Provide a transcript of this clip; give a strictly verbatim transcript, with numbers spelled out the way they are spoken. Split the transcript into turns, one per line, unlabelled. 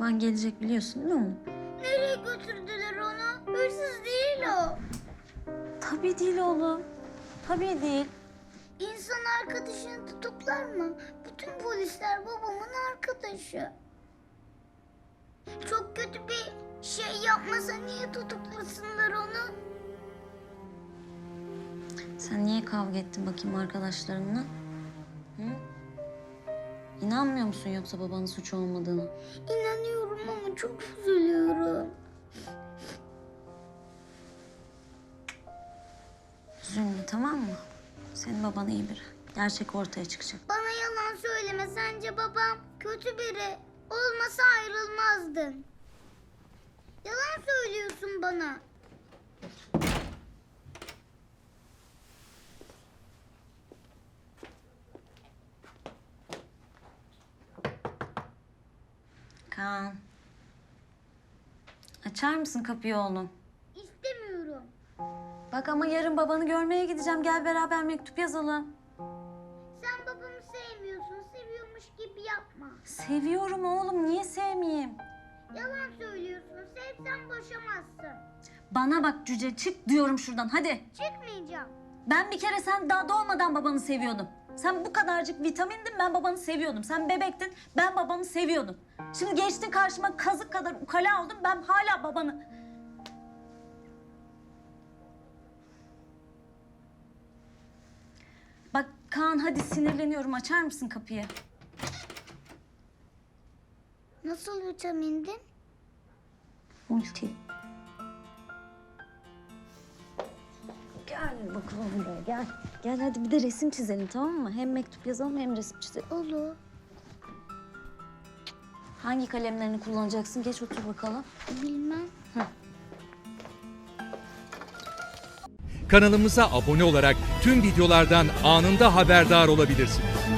baban gelecek biliyorsun değil mi?
Nereye götürdüler onu? Hırsız değil o.
Tabii değil oğlum. Tabii değil.
İnsan arkadaşını tutuklar mı? Bütün polisler babamın arkadaşı. Çok kötü bir şey yapmasa niye tutuklasınlar onu?
Sen niye kavga ettin bakayım arkadaşlarınla? Hı? İnanmıyor musun yoksa babanın suçu olmadığını?
İnanıyorum ama çok üzülüyorum.
Üzülme tamam mı? Senin baban iyi biri. Gerçek ortaya çıkacak.
Bana yalan söyleme. Sence babam kötü biri. Olmasa ayrılmazdın. Yalan söylüyorsun bana.
Kaan. Açar mısın kapıyı oğlum?
İstemiyorum.
Bak ama yarın babanı görmeye gideceğim. Gel beraber mektup yazalım.
Sen babamı sevmiyorsun. Seviyormuş gibi yapma.
Seviyorum oğlum. Niye sevmeyeyim?
Yalan söylüyorsun. Sevsen boşamazsın.
Bana bak cüce çık diyorum şuradan hadi.
Çıkmayacağım.
Ben bir kere sen daha doğmadan babanı seviyordum. Sen bu kadarcık vitamindin ben babanı seviyordum. Sen bebektin ben babanı seviyordum. Şimdi geçtin karşıma kazık kadar ukala oldun ben hala babanı... Bak Kaan hadi sinirleniyorum açar mısın kapıyı?
Nasıl vitamindin?
Multi. Gel bakalım buraya gel. Gel hadi bir de resim çizelim tamam mı? Hem mektup yazalım hem resim çizelim.
Olur.
Hangi kalemlerini kullanacaksın? Geç otur bakalım.
Bilmem.
Kanalımıza abone olarak tüm videolardan anında haberdar olabilirsiniz.